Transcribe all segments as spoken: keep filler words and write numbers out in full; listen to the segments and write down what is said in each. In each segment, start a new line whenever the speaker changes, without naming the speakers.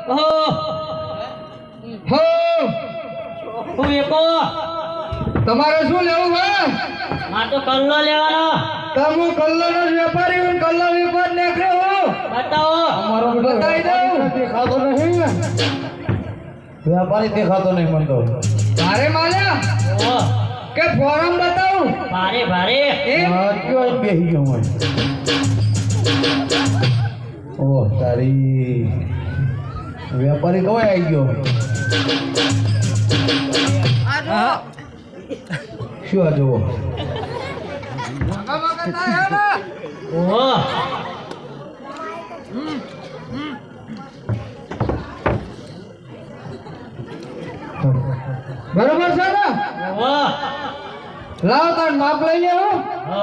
હો
હું એકો
તમારે શું લેવું છે?
માર તો કલ્લો લેવાનો.
તમે કલ્લાનો વેપારી હું કલ્લા વેપાર નીકળ્યો હું.
બતાવો.
અમારો
બતાવી દઉં.
દેખાતો નહીં વ્યાપારી દેખાતો નહીં મને તો
ભારે માલ્યા
ઓ
કે ફોરમ બતાવું
ભારે ભારે.
એમ
હા, કયો બેસી ગયો હું ઓહ તારી વ્યાપારી કવાય આવી ગયો શું આ જુઓ
ઓ
બરોબર છે ને?
ઓ
લાવ તાર માપ લઈ લે હું.
ઓ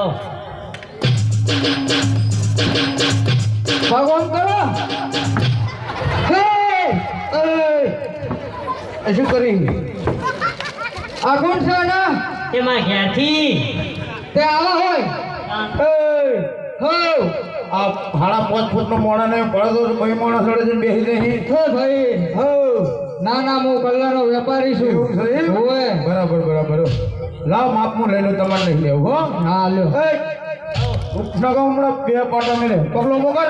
ભગવાન કરો. હે એ
એ શું કરી
આ કોણ છે ને?
તે માર ઘેરથી
તે આવા હોય.
એ
હો
આ સાડા પાંચ ફૂટનો મોણા ને પડતો ભાઈ મોણા સડે છે બેસી નહીં
હો ભાઈ
હો
ના ના હું કલ્લાનો વેપારી છું.
એવું છે એમ?
હોવે.
બરાબર બરાબર લાવ માપનું લઈ લો તમારે નહીં લેવું હો
હા લ્યો.
એ ઉઠના કહું હમણાં બે પાટા મેળે પગલો મોકલ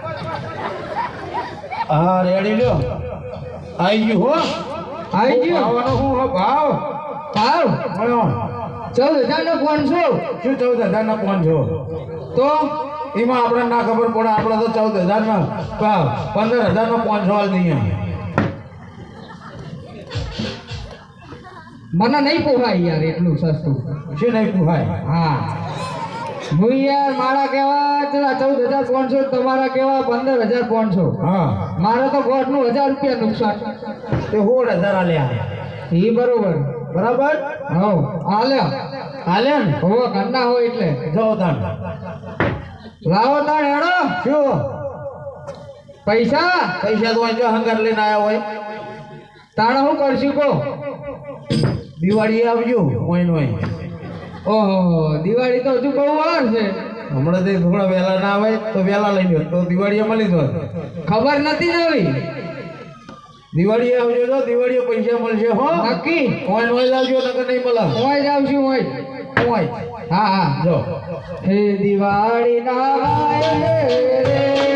હા રેડી લ્યો આવી ગયું હો
આવી ગયો
આવવાનો શું હો ભાવ
ભાવ
મળ્યો
ચૌદ હજાર ને પાંચસો.
શું ચૌદ હજાર ના પાંચસો
તો
એમાં આપણે ના ખબર પડે આપણે તો ચૌદ હજાર ના ભાવ પંદર હજાર નો પાંચસો હાલ દઈએ
મને નહીં પોહાય યાર એટલું સસ્તું.
શું નહીં પૂછાય
હા હું યાર મારા કેવા ચલા ચૌદ હજાર પાંચસો તમારા કેવા પંદર હજાર પાંચસો.
હા
મારે તો ગોઠ નું હજાર રૂપિયા નુકસાન.
તે સોળ હજાર આલ્યા
એ બરોબર.
બરાબર
હવ આલ્યા
હાલે ને
હોવા ઘરના હોય એટલે
જાઓ તાણ
લાવો તાણ હેડો.
શું
પૈસા
પૈસા તો જો હંગાર લઈને આવ્યા હોય
તાણે હું કરશું કહો.
દિવાળી આવજો ઓઈન ઓઈન
ઓહો દિવાળી તો હજુ બહુ વાર છે.
હમણાં તે થોડા વહેલા ના આવે તો વહેલા લઈ લો તો દિવાળીએ મળી જાય
ખબર નથી નવી.
દિવાળીએ આવજો તો દિવાળીએ પૈસા મળશે હો
નક્કી
ઓઈન ઓઈન આવજો નકર નહીં મળે
ઓય જાવ છું ઓય.
ઓઈન
હા હા
જો
હે દિવાળી ના આય રે